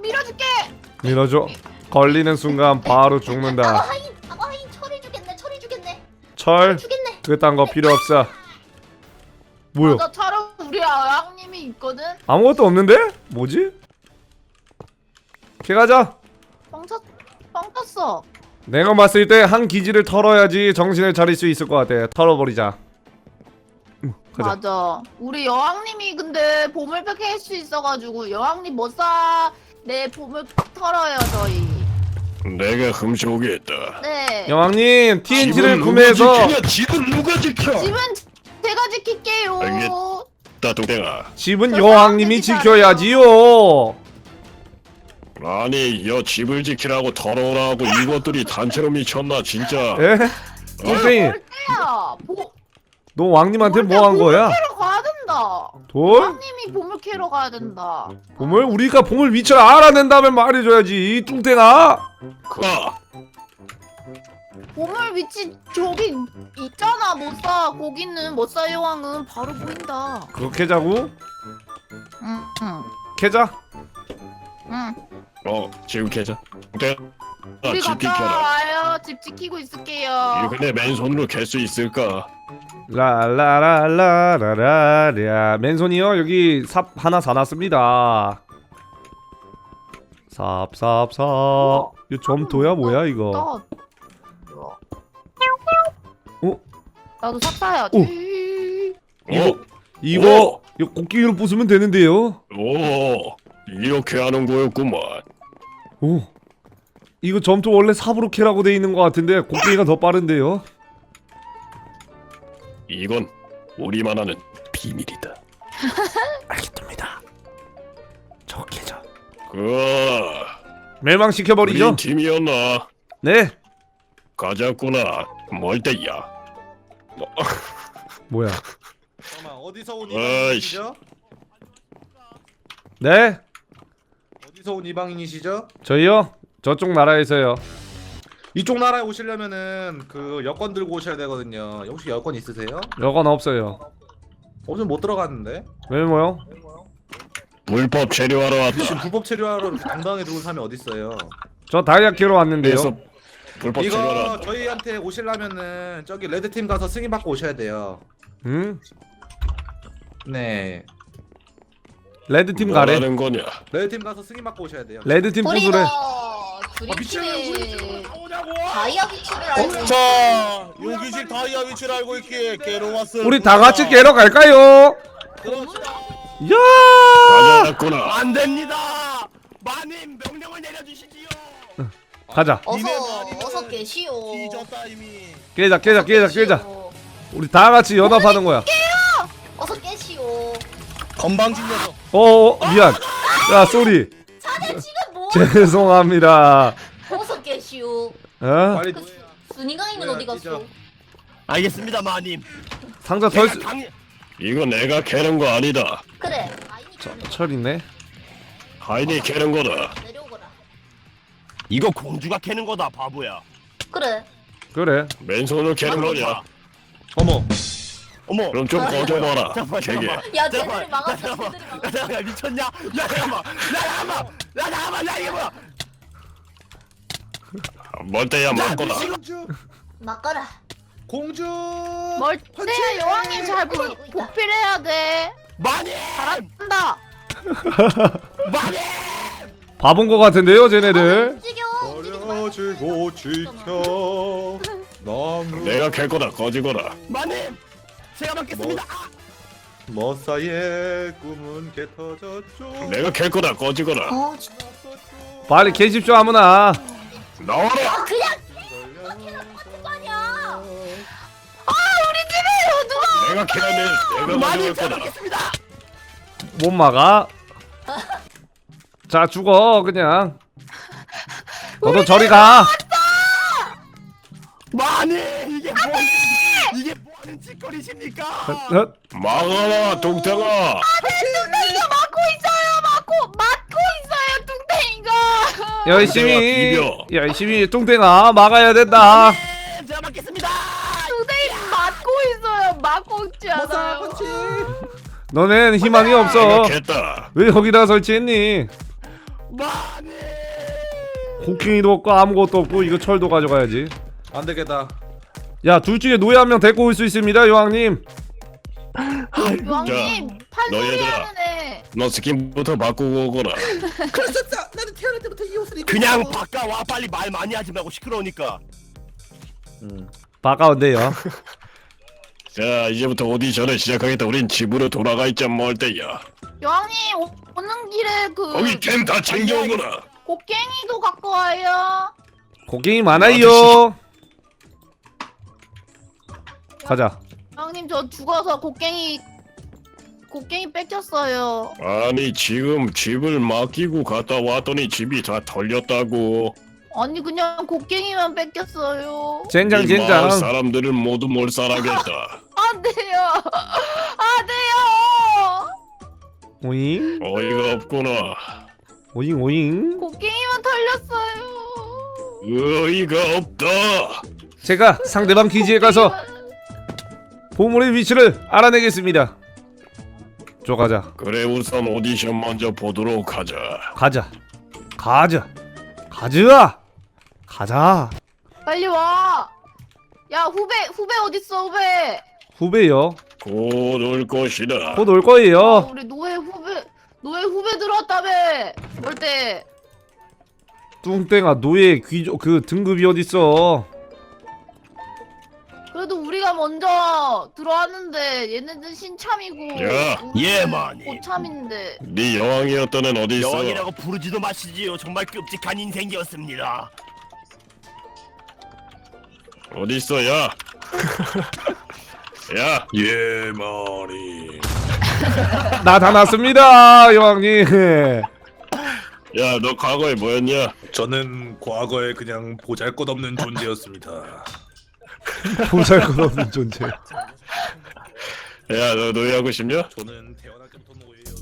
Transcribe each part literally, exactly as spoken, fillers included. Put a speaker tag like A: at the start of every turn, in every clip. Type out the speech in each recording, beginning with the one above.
A: 밀어줄게.
B: 밀어줘. 걸리는 순간 바로 죽는다.
C: 아가 하인, 아가 하인 철을 주겠네. 철을 주겠네.
B: 철
C: 주겠네.
B: 그딴 거 필요 없어. 뭐야?
A: 나 차로 우리 아양님이 있거든.
B: 아무것도 없는데? 뭐지? 걔가자.
A: 뻥쳤, 뻥쳤어.
B: 내가 봤을 때 한 기지를 털어야지 정신을 차릴 수 있을 것 같아. 털어버리자. 응, 가자.
A: 맞아. 우리 여왕님이 근데 보물팩 할 수 있어가지고 여왕님 못 사. 내 보물팩 털어요 저희.
D: 내가 훔쳐오겠다.
A: 네.
B: 여왕님 티엔티를
D: 집은
B: 구매해서
D: 누가 지키냐? 집은 누가 지켜?
A: 집은 제가 지킬게요.
D: 알겠다, 동생아.
B: 집은
A: 저
B: 여왕님이
A: 사람들이
B: 지켜야지요.
D: 아니, 여 집을 지키라고 털어오라고 이것들이 단체로 미쳤나 진짜.
B: 에? 똥땡이
A: 야, 보,
B: 너 왕님한테 뭐 한 거야?
A: 보물캐러 가야 된다.
B: 돌?
A: 여왕님이 보물 캐러 가야 된다.
B: 보물? 우리가 보물 위치를 알아낸다면 말해줘야지 이 뚱땡아.
D: 가.
A: 보물 위치 저기 있잖아. 못 사. 거기는 못 사 여왕은 바로 보인다.
B: 그거 캐자고?
A: 응, 응,
B: 캐자?
A: 응.
D: 어, 지금 계좌. 동생아,
A: 우리
D: 집
A: 갔다
D: 지켜라.
A: 와요. 집 지키고 있을게요.
D: 이거 내 맨손으로 캘 수 있을까?
B: 라라라라라라랴. 맨손이요? 여기 삽 하나 사놨습니다. 삽삽삽. 이 점토야 뭐야 이거?
A: 나,
B: 어?
A: 나도 삽 사야지.
B: 이거
D: 어?
B: 이거 이거 곡괭이로 부수면 되는데요?
D: 오, 이렇게 하는 거였구만.
B: 오. 이거 점토 원래 삽으로 캐라고 돼 있는 것 같은데 곡괭이가 더 빠른데요?
D: 이건 우리만 아는 비밀이다.
B: 알겠습니다. 저 캐자.
D: 그,
B: 멸망시켜버리죠?
D: 우리 팀이었나?
B: 네.
D: 가자꾸나. 멀 때야.
B: 뭐야?
E: 잠깐만 어디서 온
D: 아이씨.
E: 이방인이시죠?
B: 네?
E: 어디서 온 이방인이시죠?
B: 저희요? 저쪽 나라에서요.
E: 이쪽 나라에 오시려면은 그 여권 들고 오셔야 되거든요. 혹시 여권 있으세요?
B: 여건 없어요.
E: 어제 못 들어갔는데?
B: 왜 뭐요?
D: 불법 체류하러
E: 지금
D: 왔다.
E: 불법 체류하러 이렇게 당당하게 들어온 사람이 어딨어요?
B: 저 다이아 캐러 왔는데요.
D: 그래서 불법 체류하러
E: 이거
D: 왔다.
E: 저희한테 오시려면은 저기 레드팀 가서 승인 받고 오셔야 돼요.
B: 응?
E: 네,
B: 레드팀 가래.
D: 뭐라는 거냐?
E: 레드팀 가서 승인 받고 오셔야 돼요.
B: 레드팀
C: 우리가
B: 부수래.
C: 드림팀의 다이아 위치를 알고 있는
F: 자, 여기집 다이아 위치를 알고 있기에 깨러 왔어.
B: 우리 다 같이 깨러 갈까요? 야!
D: 가자꾸나.
F: 안 됩니다. 마님 명령을 내려주시지요.
B: 가자.
C: 어서
F: 니네 말이
C: 어서 계시오.
F: 뒤졌다 이미.
B: 깨자, 깨자, 깨자, 깨자.
C: 계시오.
B: 우리 다 같이 연합하는 거야.
C: 어서 깨시오.
F: 건방진 녀석.
B: 어, 미안. 야, 쏘리.
C: 자네 지금 뭐?
B: 죄송합니다.
C: 어서 깨시오.
B: 어?
E: 빨리
C: 그 순이가이는
E: 뭐야,
C: 어디 갔어?
E: 찢어.
F: 알겠습니다, 마님.
B: 상자 털
F: 내가
B: 수...
F: 강...
D: 이거 내가 캐는 거 아니다.
C: 그래. 아이니
B: 철 있네.
D: 하인이 캐는 거다.
C: 내려오거라.
F: 이거 공주가 캐는 거다, 바보야.
C: 그래.
B: 그래.
D: 맨손으로 캐는 거냐?
E: 어머,
F: 어머.
D: 그럼 좀 꺼져봐라.
F: 잠깐만,
D: 되게.
F: 잠깐만.
C: 야,
F: 잠깐만,
C: 쟤들이 막았어,
F: 잠깐만.
C: 쟤들이
F: 야,
C: 막았어.
F: 잠깐만, 야, 미쳤냐? 야, 잠깐만. 야, 잠깐만. 야, 잠깐만. 야, 이게 뭐야?
D: 멀 때야 맞거다.
E: 공주,
C: 막거라.
E: 공주.
A: 멀때 여왕님 잘 보, 보필해야 돼.
F: 마님!
A: 잘한다.
F: 마님!
B: 바본 거 같은데요, 쟤네들.
C: 움직여. 움직이지 말고.
E: 버려지고 지켜. 너무
D: 내가 캘 거다. 꺼지거라.
F: 마님! 제가 받겠습니다.
E: 머사의 꿈은 개터졌죠.
D: 내가 캘 거다. 꺼지거라.
C: 어, 진짜.
B: 빨리 캐십시오, 아무나.
D: 나와라.
C: 아, 그냥 캐라 하는 거 아니야.
D: 내가 캐라네. 내가
F: 마님,
D: 가져갈
F: 제가
D: 거다.
F: 받겠습니다.
B: 못 막아. 자, 죽어, 그냥. 너도 저리 가.
F: 마님! 이게 뭐 이게 뭐 하는 짓거리십니까?
B: 어?
D: 막아라, 동태가.
A: 뚱땡이가 막고 있어요. 막고 막고 있어요. 뚱땡이가.
B: 열심히,
D: 비벼.
B: 열심히 뚱땡아 막아야 된다.
F: 네, 제가 받겠습니다.
A: 뚱땡이 막고 있어요. 막고 있지
E: 머사
A: 않아요.
E: 펀치.
B: 너넨 희망이
D: 내가
B: 없어.
D: 캤다.
B: 왜 여기다 설치했니?
F: 마님.
B: 곡괭이도 없고 아무것도 없고 이거 철도 가져가야지.
E: 안 되겠다.
B: 야, 둘 중에 노예 한 명 데리고 올 수 있습니다, 여왕님.
A: 여왕님 판소리
D: 너희들아.
A: 하는 애.
D: 너 스킨부터 바꾸고 오거라.
E: 그랬었어. 나는 태어날 때부터 이 옷을 입고.
F: 그냥 바꿔와 빨리 말 많이 하지 말고 시끄러우니까.
E: 음.
B: 바가운데요.
D: 자, 이제부터 오디션을 시작하겠다. 우린 집으로 돌아가 있자 뭘 때야.
A: 여왕님 오, 오는 길에 그
D: 거기 템 다 챙겨오거라.
A: 곡괭이도 갖고 와요.
B: 곡괭이 많아요. 가자.
A: 여왕님 저 죽어서 곡괭이 곡괭이 뺏겼어요.
D: 아니 지금 집을 맡기고 갔다 왔더니 집이 다 털렸다고.
A: 아니 그냥 곡괭이만 뺏겼어요.
B: 젠장
D: 이 마을
B: 젠장.
D: 사람들을 모두 몰살하겠다.
A: 안 돼요. 안 돼요.
B: 오잉
D: 어이가 없구나.
B: 오잉 오잉.
A: 곡괭이만 털렸어요.
D: 어이가 없다.
B: 제가 상대방 기지에 가서 보물의 위치를 알아내겠습니다. 저 가자.
D: 그래 우선 오디션 먼저 보도록 하자.
B: 가자. 가자. 가자. 가자.
A: 빨리 와. 야 후배 후배 어딨어 후배.
B: 후배요.
D: 곧 올 것이다.
B: 곧 올
A: 어,
B: 거예요.
A: 우리 노예 후배 노예 후배 들어왔다며. 뭘 때?
B: 뚱땡아 노예 귀족 그 등급이 어딨어.
A: 그래도 우리가 먼저 들어왔는데 얘네들 신참이고.
D: 야.
A: 우리는
F: 예, 마님.
A: 고참인데.
D: 네 여왕이었던 애는 어디 있어?
F: 여왕이라고 부르지도 마시지요. 정말 끔찍한 인생이었습니다.
D: 어디 있어, 야? 야, 예, 머리.
B: 나타났습니다 여왕님.
D: 야, 너 과거에 뭐였냐?
E: 저는 과거에 그냥 보잘것없는 존재였습니다.
B: 보잘것없는 존재.
D: 야, 너 노예하고 싶냐?
E: 저는 태어날 때부터 노예예요.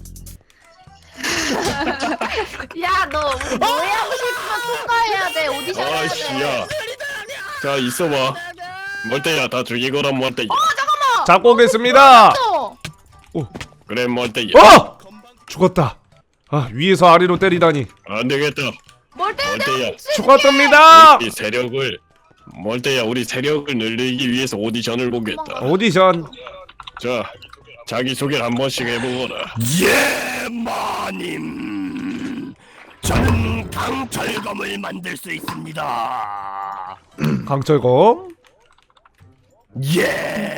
A: 야 너 우리 노예하고 싶으면 통과해야 돼. 오디션 해야
D: 아이씨,
A: 돼.
D: 야. 자, 있어봐. 멀때야, 다 죽이거라, 멀때야.
B: 잡고 오겠습니다.
A: 또.
D: 그래, 멀때야.
B: 어! 죽었다. 아 위에서 아래로 때리다니.
D: 안 되겠다.
A: 뭘 때려?
D: 멀때야.
B: 죽었답니다.
D: 우리 세력을, 멀때야, 우리 세력을 늘리기 위해서 오디션을 보겠다.
B: 오디션.
D: 자, 자기소개를 한 번씩 해보거라.
F: 예, 마님. 저는 강철검을 만들 수 있습니다.
B: 강철검.
F: 예.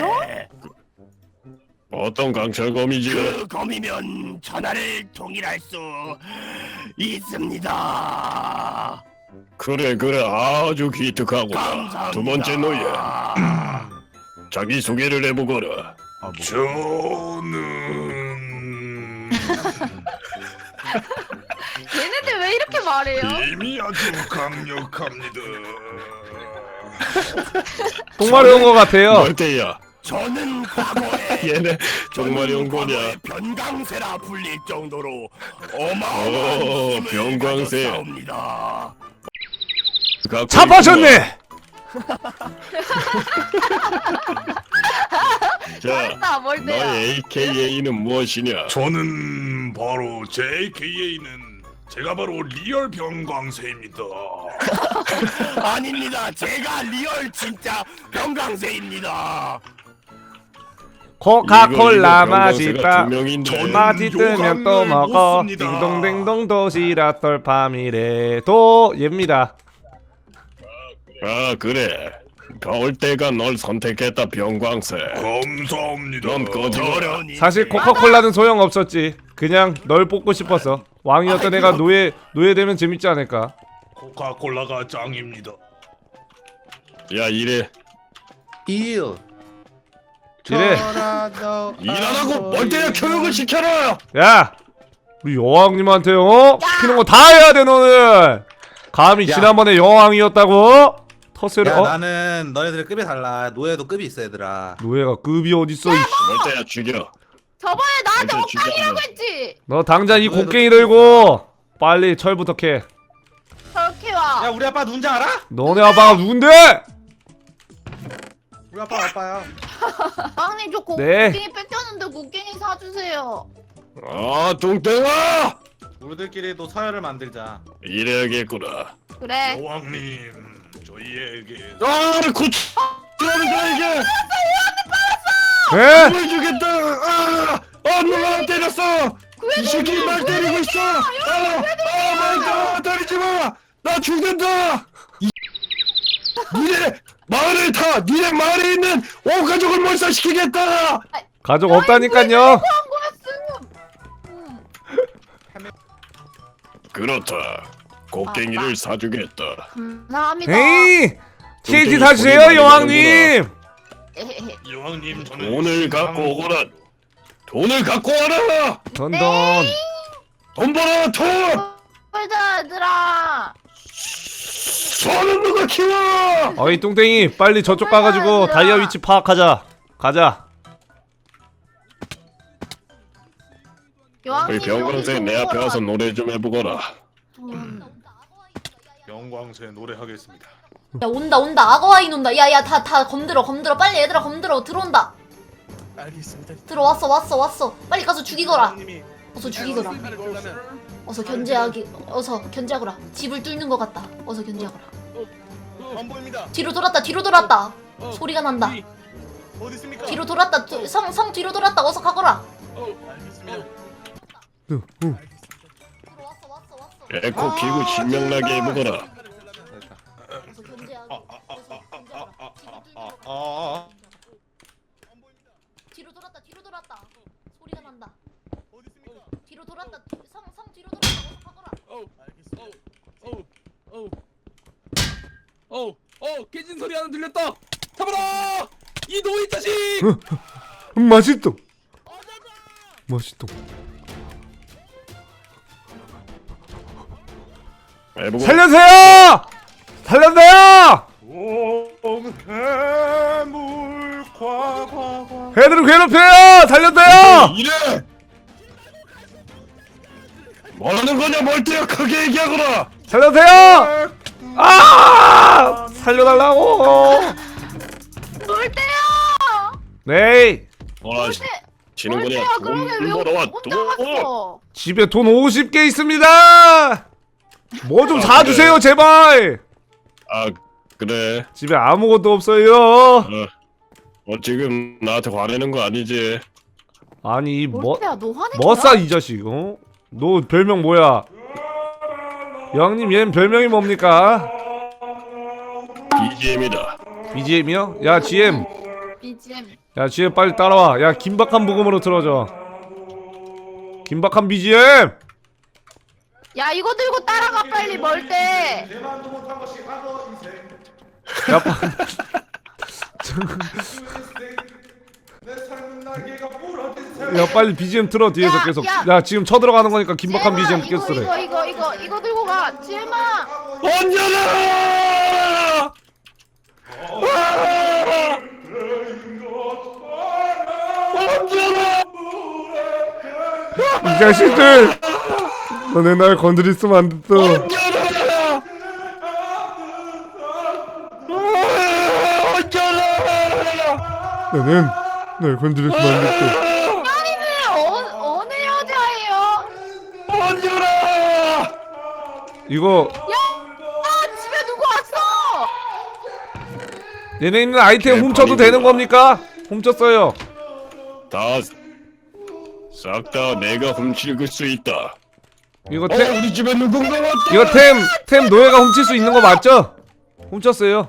D: 어떤 강철검이지?
F: 그 검이면 천하를 통일할 수 있습니다.
D: 그래, 그래, 아주 기특하구나.
F: 감사합니다.
D: 두 번째 노예. 자기소개를 해보거라.
E: 저는
A: 얘네들 왜 이렇게 말해요?
E: 힘이 아주 강력합니다.
B: 정말 온 것 같아요.
D: 멀때야.
F: 저는 과거에
D: 얘네 정말
F: 저는
D: 연고냐?
F: 과거에 변강세라 불릴 정도로
D: 오,
F: 어마어마한 힘을
D: 변광세.
F: 가졌사옵니다.
B: 잡아셨네.
D: 자,
A: 잘했다 뭘 때야.
D: 너의 에이케이에이는 무엇이냐?
E: 저는 바로 제 에이케이에이는 제가 바로 리얼 변광세입니다.
F: 아닙니다. 제가 리얼 진짜 변강세입니다.
B: 코카콜라
D: 이거, 이거
B: 맛있다.
D: 병광세가 두 명인데.
E: 저는
B: 맛이 뜨면 또
E: 요강을
B: 먹어.
E: 못 씁니다.
B: 딩동댕동 도시락 돌파미래.도 얘입니다.
D: 아, 그래. 겨울때가 널 선택했다, 병광세.
E: 감사합니다.
D: 넌 꺼져.
F: 어려운 일.
B: 사실 코카콜라는 소용 없었지. 그냥 널 뽑고 싶었어. 왕이었던 애가 노예 노예 되면 재밌지 않을까?
E: 코카콜라가 짱입니다.
D: 야, 이래.
E: 일.
B: 이래.
D: 일하라고 멀때야 교육을 시켜라!
B: 야, 우리 여왕님한테 어 시키는 거 다 해야 돼 너는. 감히
E: 야.
B: 지난번에 여왕이었다고? 터스를
E: 야
B: 어?
E: 나는 너네들 급이 달라. 노예도 급이 있어 얘들아.
B: 노예가 급이 어딨어? 이씨.
D: 멀때야 죽여.
A: 저번에 나한테
D: 먼저
A: 옥당이라고
D: 죽여.
A: 했지.
B: 너 당장 이
E: 노예도
B: 곡괭이
E: 급이
B: 들고 빨리 철부터 캐.
A: 저렇게 와.
E: 야 우리 아빠 누군지 알아?
B: 너네 아빠가 누군데?
E: 우리 아빠 아빠야.
A: 왕님 저 고,
B: 네.
A: 곡괭이 뺏겼는데 곡괭이 사주세요.
D: 아, 뚱땡아!
E: 우리들끼리도 서열을 만들자.
D: 이래야겠구나.
A: 그래.
E: 여왕님, 저희에게
D: 아, 고치. 들어오는 거야 이게.
B: 에?
D: 보여주겠다. 아, 아 누가 때렸어? 이 새끼 날 때리고 있어. 아, 아, 말도 때리지 마. 나 죽는다. 이... 니네 마을을 타. 니네 마을에 있는 온 가족을 몰살시키겠다.
B: 가족 없다니까요.
A: 한 거였음. 음.
D: 그렇다. 곡괭이를 사주겠다.
A: 감사합니다.
B: 에이, 티엔티
D: 뚱뚱이
B: 사주세요,
D: 소리 많이
B: 여왕님.
A: 에헤헤.
E: 여왕님 저는
D: 돈을 갖고 오거라. 돈을 갖고 와라.
B: 던던.
D: 돈 벌어 돈.
A: 꿀자 얘들아.
D: 소는 누가 키워?
B: 어이 뚱땡이, 빨리 저쪽 가가지고 다이아 위치 파악하자. 가자.
A: 여왕님
D: 그 병광생 내 앞에 와서 노래 좀 해보거라.
A: 돈.
E: 영광새 노래하겠습니다.
G: 야 온다 온다 악어와인 온다. 야야 다 다 검들어 검들어 빨리 얘들아 검들어 들어온다.
F: 알겠습니다.
G: 들어왔어 왔어 왔어. 빨리 가서 죽이거라.
F: 여왕님이
G: 어서 죽이거라.
F: 칼을 들려면
G: 어서 견제하기 어서 견제하거라. 집을 뚫는 것 같다. 어서 견제하거라.
F: 안 보입니다.
G: 뒤로 돌았다 뒤로 돌았다.
F: 어,
G: 소리가 난다.
F: 어디, 어디 있습니까?
G: 뒤로 돌았다. 성 성 뒤로 돌았다. 어서 가거라.
F: 어, 알겠습니다.
B: 응, 응.
G: 들어왔어 왔어 왔어.
D: 에코 기구 신명나게 해보거라.
G: 어서 견제하기. 어서 견제하거라. 집을 뚫는 것 같다.
E: 아,
G: 뒤로 돌았다 뒤로 돌았다. 소리가 난다.
F: 어디 있습니까?
G: 뒤로 돌았다. 성 성 뒤로 돌았다. 어서 가거라.
F: 어, 알겠습니다. 어, 어, 어, 어, 깨진 소리 하나 들렸다. 잡아라! 이 노인 자식!
B: 음, 맛있다. 맛있다.
D: 해보고.
B: 살려주세요! 살려주세요!
E: 옹해물 과과과.
B: 애들을 괴롭혀요! 살려주세요!
D: 이래. 뭐하는 거냐 멀티야 크게 얘기하거라.
B: 살려주세요! 아! 살려달라고!
A: 놀 때요.
B: 네.
D: 뭐라
A: 놀
D: 지는 거냐?
A: 때요. 그러게 왜
D: 돈 벌어와
A: 혼자
D: 돈.
A: 갔어?
B: 집에 돈 오십 개 있습니다! 뭐 좀
D: 아,
B: 사주세요, 제발!
D: 아 그래.
B: 집에 아무것도 없어요.
D: 어, 어 지금 나한테 화내는 거 아니지?
B: 아니, 뭐,
A: 놀 때야 너 화내?
B: 뭐싸, 이 자식, 어? 너 별명 뭐야? 여왕님, 얘는 별명이 뭡니까?
D: 비지엠이다.
B: 비지엠이요? 야, 지엠.
A: 비지엠.
B: 야, 지엠 빨리 따라와. 야, 긴박한 부금으로 틀어줘. 긴박한 비지엠!
A: 야 이거 들고 따라가 빨리 멀 때.
E: 내만도 못한 것이 악어 인생.
B: 야, 빠-
E: 내 삶은 날개가 부러진 새.
B: 야, 빨리 비지엠 틀어, 뒤에서
A: 야,
B: 계속.
A: 야.
B: 야, 지금 쳐들어가는 거니까 긴박한
A: 지엠아,
B: 비지엠
A: 이거
B: 꼈으래.
A: 이거 이거 이거 이거 들고 가. 지엠아.
D: 언제나! 언제나!
B: 이 자식들! 너네 날 건드리으면 안 됐어.
D: 언제나! 언제나!
B: 너는 날 건드리으면 안 됐어.
A: 아니는 어, 어느 여자예요?
D: 언제나!
B: 이거
A: 아 집에 누구 왔어?
B: 얘네 있는 아이템
D: 개
B: 훔쳐도
D: 버리고
B: 되는 겁니까? 훔쳤어요.
D: 다 싹 다 내가 훔칠 수 있다.
B: 이거
D: 어,
B: 템
D: 우리 집에 누군가 왔다.
B: 이거 템 템 노예가 훔칠 수 있는 거 맞죠? 훔쳤어요.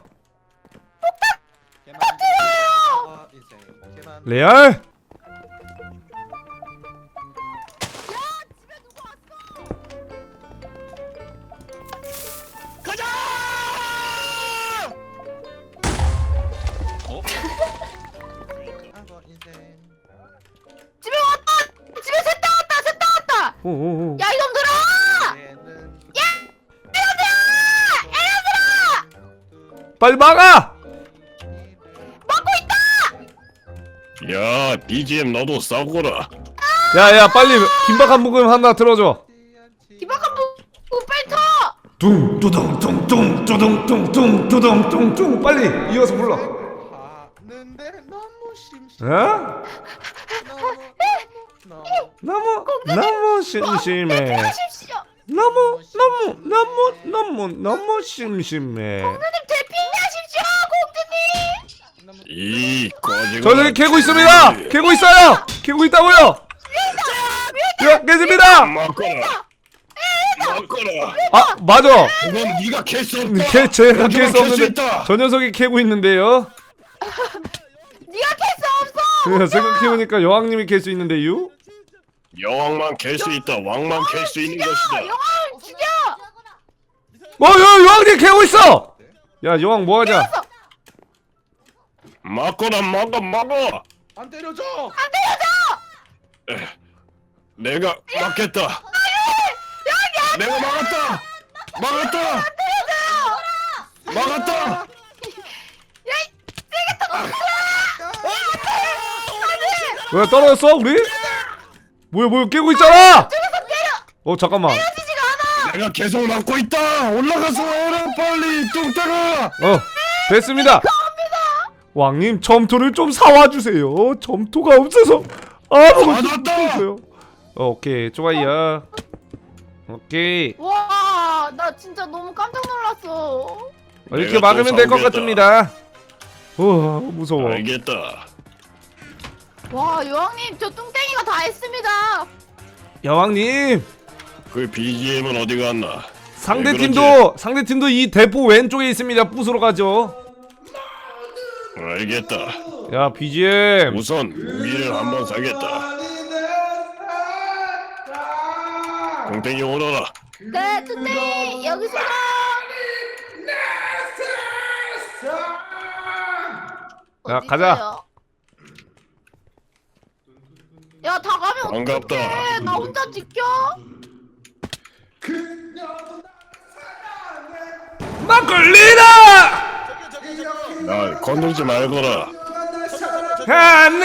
E: 악어 인생. 개만.
B: 레알?
E: 악어 인생.
A: 집에 왔다. 집에 셋다 왔다. 셋다 왔다.
B: 오오오.
A: 야 이놈들아.
E: 얘는
B: 빨리 막아!
D: 야, 비지엠 너도 싸우거라.
B: 야야 빨리 긴박한 부금 하나 들어줘.
A: 기박한 부 빨리 터.
B: 둥 두둥 둥둥 두둥 둥둥 두둥 둥둥 빨리 이어서 불러.
E: 하는데 너무 심심.
B: 어?
E: 너무 너무
B: 너무 너무 심심해.
A: 하십시오.
B: 너무 너무 너무 너무 너무 심심해.
A: 대피하십시오 공주님.
D: 이 꺼지고.
B: 저는 캐고 있습니다. 캐고 있어요. 캐고 있다고요. 야, 깨집니다.
D: 막거라. 막거라.
B: 아, 맞아.
D: 그건 네가 캘 수 없다.
B: 캐 제가 캘 수
D: 캘수
B: 없는데
D: 있다.
B: 저 녀석이 캐고 있는데요.
A: 네가 캘 수 없어.
B: 그냥 생각해보니까 여왕님이 캘 수 있는데요.
D: 여왕만 캘 수 있다. 왕만 캘 수 있는 것이다.
A: 여왕 죽여.
B: 어, 야, 여왕님 캐고 있어. 야, 여왕 뭐 하냐?
D: 막거라 막아 막아.
E: 안 때려줘.
D: 내가 막겠다. 내가 막았다. 막았다. 막았다.
B: 왜 떨어졌어 우리? 뭐야 뭐야 깨고 있잖아. 어 잠깐만.
D: 내가 계속 막고 있다. 올라가서 해라 빨리 뚱따가.
B: 어 됐습니다. 왕님 점토를 좀 사와 주세요. 점토가 없어서 아무것도
D: 맞았다.
B: 없어요. 어, 오케이 좋아요. 오케이
A: 와, 나 진짜 너무 깜짝 놀랐어.
B: 어, 이렇게
D: 내가
B: 막으면
D: 또
B: 될 것
D: 사오겠다.
B: 같습니다. 우와 무서워.
D: 알겠다.
A: 와, 여왕님 저 뚱땡이가 다 했습니다.
B: 여왕님
D: 그 비지엠은 어디 갔나?
B: 상대
D: 왜 그러지?
B: 팀도 상대 팀도 이 대포 왼쪽에 있습니다. 부수러 가죠.
D: 알겠다.
B: 야 비지엠
D: 우선 무기를 한번 사겠다. 공땡이 오너라.
A: 네, 뚱땡이 여기 있어.
B: 야,
A: 어디
B: 가자.
A: 있어요? 야, 다 가면
D: 반갑다.
A: 어떡해? 나 혼자 지켜?
B: 막걸리다.
D: 나 건들지 말거라.
B: 하네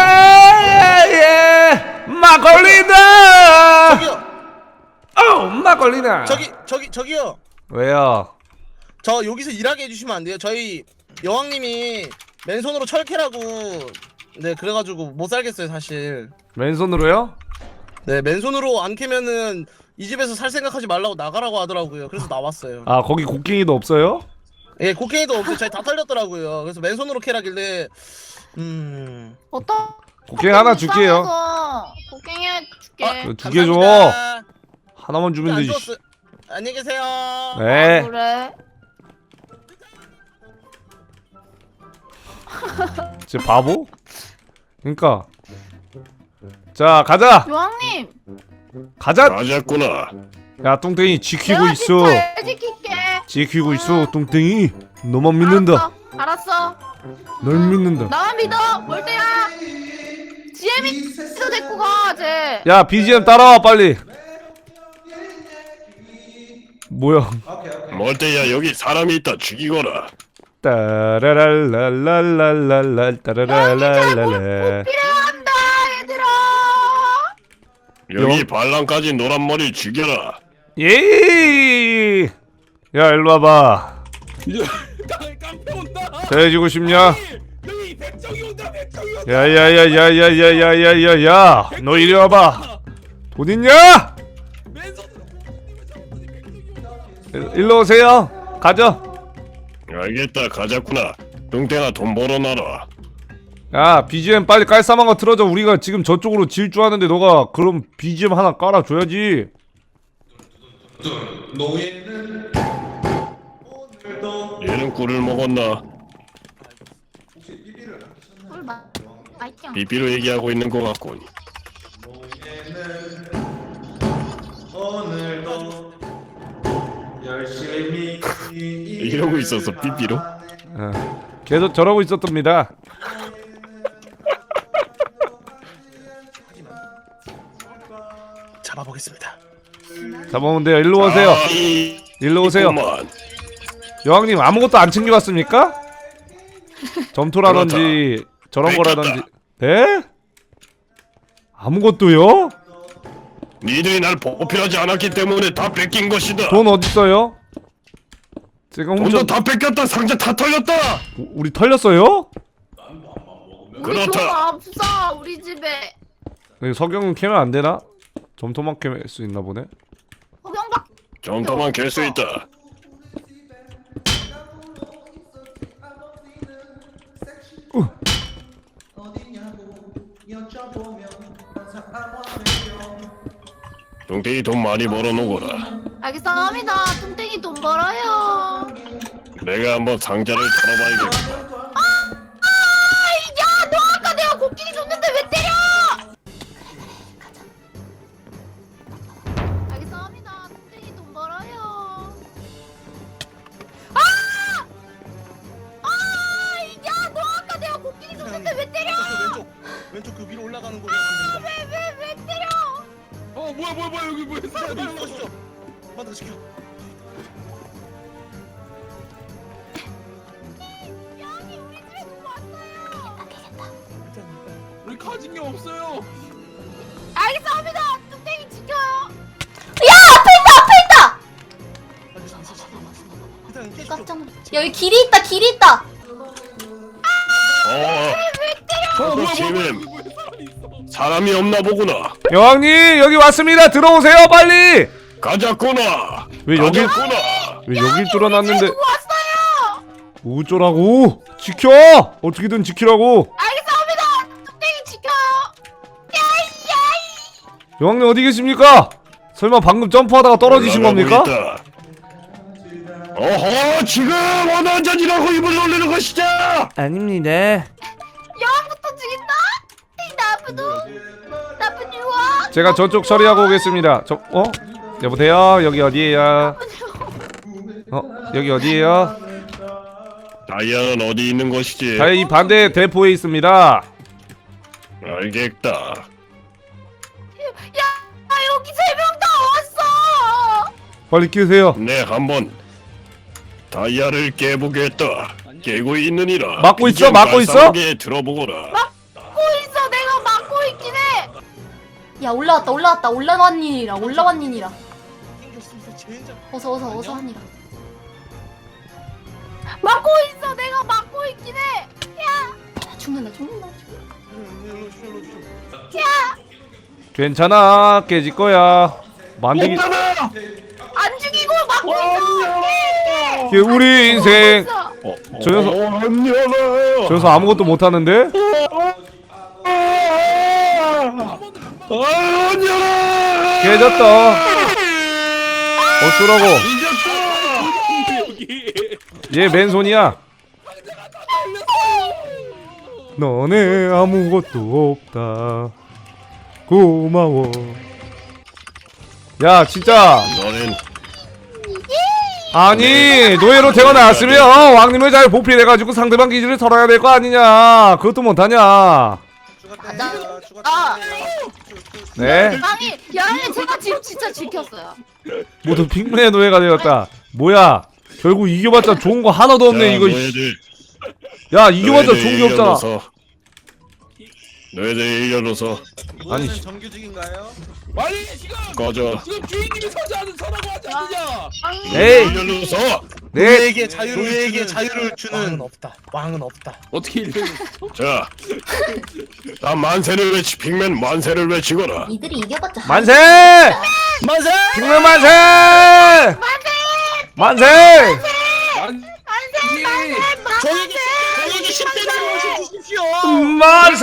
B: 예 막걸리다.
C: 저기요.
B: 어 막걸리다.
C: 저기 저기 저기요.
B: 왜요?
C: 저 여기서 일하게 해주시면 안 돼요? 저희 여왕님이 맨손으로 철캐라고 네 그래가지고 못 살겠어요 사실.
B: 왼손으로요?
C: 네 맨손으로 안 캐면은 이 집에서 살 생각하지 말라고 나가라고 하더라고요. 그래서 나왔어요.
B: 아 거기 곡괭이도 없어요?
C: 예 곡괭이도 없고 저희 다 털렸더라고요. 그래서 맨손으로 캐라길래 음
A: 어떤?
B: 곡괭이 하나 줄게요.
A: 곡괭이 줄게.
C: 아,
B: 두 개 줘.
C: 감사합니다.
B: 하나만 주면
C: 안
B: 되지.
C: 주웠어요. 안녕히 계세요.
B: 네.
A: 아, 그래.
B: 쟤 바보? 그러니까. 자 가자.
A: 여왕님.
B: 가자.
C: 아,
D: 맞았구나.
B: 야 똥땡이 지키고
A: 내가
B: 있어.
A: 잘 지킬게.
B: 지키고 있어 똥땡이. 너만 믿는다.
A: 알았어. 알았어.
B: 널 믿는다.
A: 나만 믿어. 뭘 때야? 지엠이 스 데리고 가, 쟤.
B: 야 비지엠 따라와 빨리. 뭐야?
D: 멀때야 여기 사람이 있다. 죽이거라.
B: 따라랄랄랄랄랄랄 따라랄랄랄.
A: 필요한다, 얘들아.
D: 여기
B: 영-
D: 반란까지 노란 머리 죽여라.
B: 예. 야 일로 와봐.
F: 깡패 온다.
B: 잘해주고 싶냐?
F: 여기 백정이 온다. 백정이 온다.
B: 야야야야야야야야야야. 너 이리 와봐. 돈 있냐?
F: 맨손으로
B: 일- 일로 오세요. 가죠.
D: 알겠다. 가자꾸나. 뚱땡아 돈 벌어놔라.
B: 야 비지엠 빨리 깔쌈한 거 틀어줘. 우리가 지금 저쪽으로 질주하는데 너가 그럼 비지엠 하나 깔아줘야지.
E: 노예는 오늘도
D: 얘는 꿀을 먹었나?
A: 물 마, 맛있죠?
D: 비비로 얘기하고 있는 것 같군.
E: 노예는 오늘도 열심히
D: 이러고 있었어 비비로?
B: 어. 계속 저러고 있었답니다.
C: 잡아보겠습니다.
B: 잡아오면 돼요. 일로 오세요.
D: 아, 이-
B: 일로 오세요.
D: 있구만.
B: 여왕님 아무것도 안 챙겨왔습니까? 점토라든지 저런 거라든지. 네? 아무것도요?
D: 니들이 날 보필하지 않았기 때문에 다 뺏긴 것이다.
B: 돈 어딨어요? 제가
D: 돈도
B: 훔쳐.
D: 다 뺏겼다. 상자 다 털렸다.
B: 우- 우리 털렸어요?
A: 우리
D: 그렇다.
A: 돈 없어, 우리 집에.
B: 여기 석영은 캐면 안 되나? 점토만 캐면 수 있나 보네.
A: 어, 경박.
D: 정도만 갤 수 있다. 동태이 돈 많이 벌어놓거라.
A: 알겠습니다. 뚱땡이 돈 벌어요.
D: 내가 한번 상자를 털어봐야겠다.
A: 야, 너 아까 내가 곡괭이 줬는데 왜 때려? 알겠습니다. 뚱땡이 돈 벌어요. 아! 아! 야, 너 아까 내가 곡괭이 줬는데 왜 때려?
C: 왼쪽 왼쪽 그 위로 올라가는 거로 하면 됩니다.
A: 왜 왜 왜 때려?
F: 어 뭐야 뭐야 뭐야 여기 뭐야
C: 빨리
F: 사람이 있어.
C: 가시죠. 받아 시켜.
A: 양이 우리 집에 누구 왔어요?
F: 우리 가진 게 없어요.
A: 알겠습니다. 뚱땡이 지켜요.
G: 야 앞에 있다 앞에 있다.
C: 일단 캐시죠.
G: 깜짝 놀. 여기 길이 있다 길이 있다.
D: 어,
F: 어 뭐야 뭐야
D: 지금
F: 뭐야 여기 뭐야 사람이 있어.
D: 사람이 없나 보구나.
B: 여왕님 여기 왔습니다. 들어오세요 빨리.
D: 가자꾸나.
B: 왜 여기
D: 가자꾸나.
B: 왜 여길 뚫어놨는데
A: 누구 왔어요?
B: 어쩌라고? 지켜! 어떻게든 지키라고.
A: 알겠습니다. 뚱땡이 지켜요. 야이
B: 여왕님 어디 계십니까? 설마 방금 점프하다가 떨어지신
D: 올라가고
B: 겁니까?
D: 있다. 어허, 지금 어느 한잔이라고 입을 놀리는 것이죠?
B: 아닙니다.
A: 여왕부터 죽인다? 이 나쁜 놈. 나쁜 유아.
B: 제가 저쪽 처리하고 오겠습니다. 저 어? 여보세요? 여기 어디에요? 어? 여기 어디에요?
D: 다이아는 어디 있는 것이지?
B: 자, 이 반대 대포에 있습니다.
D: 알겠다.
A: 야, 아, 여기 세 명 다 왔어.
B: 빨리 끼세요.
D: 네, 한번 다이아를 깨보겠다. 깨고 있느니라.
B: 막고 있어?
D: 이젠
B: 막고 있어?
D: 발사하게 들어보거라.
A: 막고 있어. 내가 막고 있긴 해.
G: 야 올라왔다 올라왔다 올라왔니라 올라왔니라.
C: 땡겼으면서 젠장.
G: 어서 어서 어서 하니라.
A: 막고 있어. 내가 막고 있긴 해.
G: 아, 죽는다 죽는다.
C: 일로 주죠, 일로 주죠.
B: 괜찮아. 깨질 거야. 만들기.
A: 안 죽이고 막고 있어.
B: 이게 우리 인생.
A: 있어.
D: 어,
B: 저 녀석-
D: 어, 안 열어요.
B: 저 녀석 아무것도 못 하는데?
D: 아, 안 열어.
B: 깨졌다. 어쩌라고?
D: 이겼다.
F: 여기.
B: 얘 맨손이야. 너네 아무것도 없다. 고마워. 야 진짜
D: 너는
B: 아니 노예로 태어났으면 왕님을 잘 보필해가지고 상대방 기지를 털어야 될 거 아니냐. 그것도 못하냐.
C: 죽었대요.
A: 아.
C: 죽었대요.
B: 네?
A: 양이 양이 제가 지금 진짜 지켰어요.
B: 모두 핑맨의 노예가 되었다. 뭐야 결국 이겨봤자 좋은 거 하나도 없네.
D: 자,
B: 이거
D: 너희들
B: 야 이겨봤자
D: 너희들
B: 좋은 게 없잖아.
D: 일려줘서, 너희들 일려줘서
B: 아니,
C: 무엇은
B: 씨.
C: 정규직인가요?
F: 아니 지금
D: 꺼져.
F: 지금 주인님이 서지 않은 서라고 하지 않느냐.
B: 에이
D: 일려줘서.
B: 네
C: 노예에게 자유를 노예에게 자유를 주는 왕은 없다. 왕은 없다.
F: 어떻게 이래?
D: 자, 나 만세를 외치 핑맨 만세를 외치거라.
G: 이들이 이겨봤자.
B: 만세
C: 만세!
B: 핑맨 만세 만세
F: 안
C: 저에게 저에게 십 대를 주십시오.
B: 만세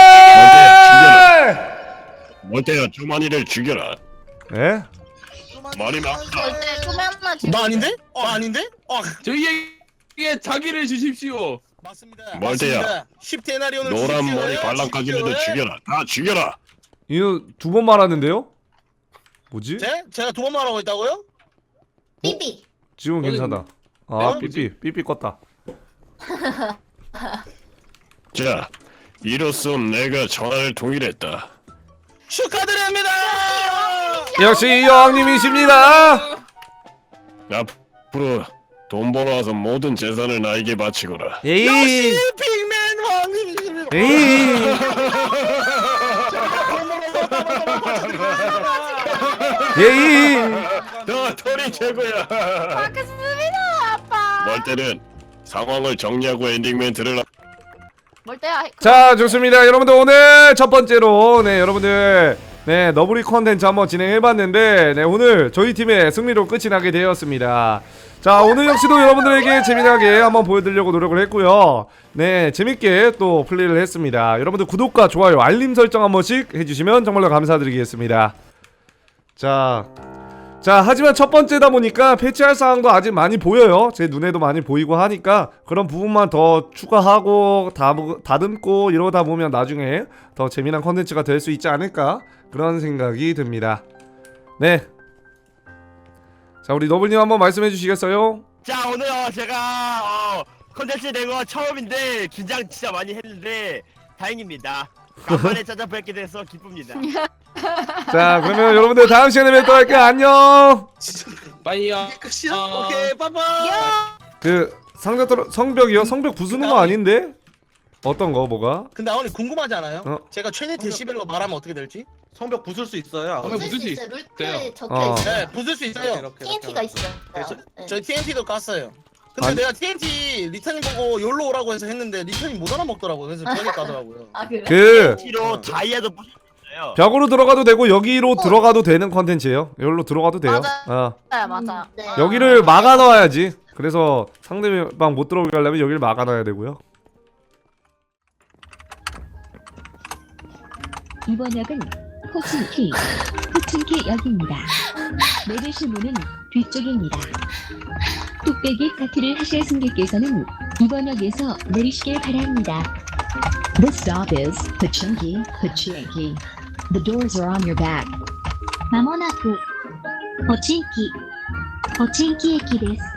D: 멀때야 주만이를 죽여라.
B: 예?
D: 말이 많다.
A: 절대 소매하나 지금.
C: 나 아닌데? 어 아닌데? 어
F: 저희에게 자기를 주십시오.
C: 맞습니다.
D: 멀대야.
C: 맞습니다. 십 데나리온을
D: 노란
C: 주십시오.
D: 머리 관람까지라도
C: 주십시오.
D: 죽여라. 다 죽여라.
B: 이거 두 번 말하는데요? 뭐지?
C: 제? 제가 두 번 말하고 있다고요?
G: 삐삐.
B: 지금 괜찮다. 아
C: 내가
B: 삐삐 삐삐 껐다.
D: 자, 이로써 내가 전화를 통일했다.
C: 축하드립니다.
B: 역시 여왕님이십니다.
D: 앞으로 돈 벌어와서 모든 재산을 나에게 바치거라.
B: 에이
C: 핑맨 왕님이십니다.
B: 에이 에이
D: 너 털이 최고야.
A: 알겠습니다, 아빠.
D: 멀때는 상황을 정리하고 엔딩 멘트를 하-
A: 뭘 때야?
B: 자 좋습니다. 여러분들 오늘 첫 번째로 네 여러분들 네, 너브리 컨텐츠 한번 진행해봤는데 네, 오늘 저희 팀의 승리로 끝이 나게 되었습니다. 자, 오늘 역시도 여러분들에게 재미나게 한번 보여드리려고 노력을 했고요. 네, 재밌게 또 플레이를 했습니다. 여러분들 구독과 좋아요, 알림 설정 한 번씩 해주시면 정말로 감사드리겠습니다. 자, 자 하지만 첫 번째다 보니까 패치할 사항도 아직 많이 보여요. 제 눈에도 많이 보이고 하니까 그런 부분만 더 추가하고 다듬, 다듬고 이러다 보면 나중에 더 재미난 컨텐츠가 될 수 있지 않을까 그런 생각이 듭니다. 네, 자 우리 너블님 한번 말씀해 주시겠어요?
H: 자 오늘 어, 제가 어, 컨텐츠 된 거 처음인데 긴장 진짜 많이 했는데 다행입니다. 간만에 찾아뵙게 돼서 기쁩니다.
B: 자 그러면 여러분들 다음 시간에 뵙도록 할게요. 안녕.
F: 빠이야.
C: 끝이야?
F: 아.
C: 오케이 빠빠.
B: 그 상자 떨어 성벽이요? 성벽 부수는 거 아닌데? 어떤 거 뭐가?
C: 근데 아버님 궁금하지 않아요?
B: 어?
C: 제가 최대 데시벨로 말하면 어떻게 될지?
E: 성벽 부술 수 있어요.
F: 성벽
G: 부술 수
F: 부수지.
G: 있어요.
F: 돼요.
G: 룰트에 적혀
B: 어.
G: 있어요.
C: 네 부술 수 있어요.
E: 이렇게,
G: 티엔티가
E: 이렇게.
G: 있어요.
C: 저,
G: 네.
C: 저희 티엔티도 깠어요. 근데
B: 아니-
C: 내가 티엔티 리턴이 보고 욜로 오라고 해서 했는데 리턴이 못 알아먹더라고요. 그래서 저기 까더라고요.
G: 아 그래?
B: 그
H: 티로 다이아도 부술 수 있어요.
B: 벽으로 들어가도 되고 여기로
G: 어.
B: 들어가도 되는 컨텐츠예요. 여기로 들어가도 돼요.
A: 맞아요.
B: 어.
A: 네, 맞아.
G: 네.
B: 여기를 막아 놔야지. 그래서 상대방 못 들어오게 하려면 여기를 막아 놔야 되고요.
I: 이번 역은 호칭키, 호칭키 역입니다. 내리실 문은 뒤쪽입니다. 뚝배기 파티를 하실 승객께서는 이번 역에서 내리시길 바랍니다. This stop is Pochinki, Pochinki. The doors are on your back. まもなく、ポチンキ、ポチンキ駅です。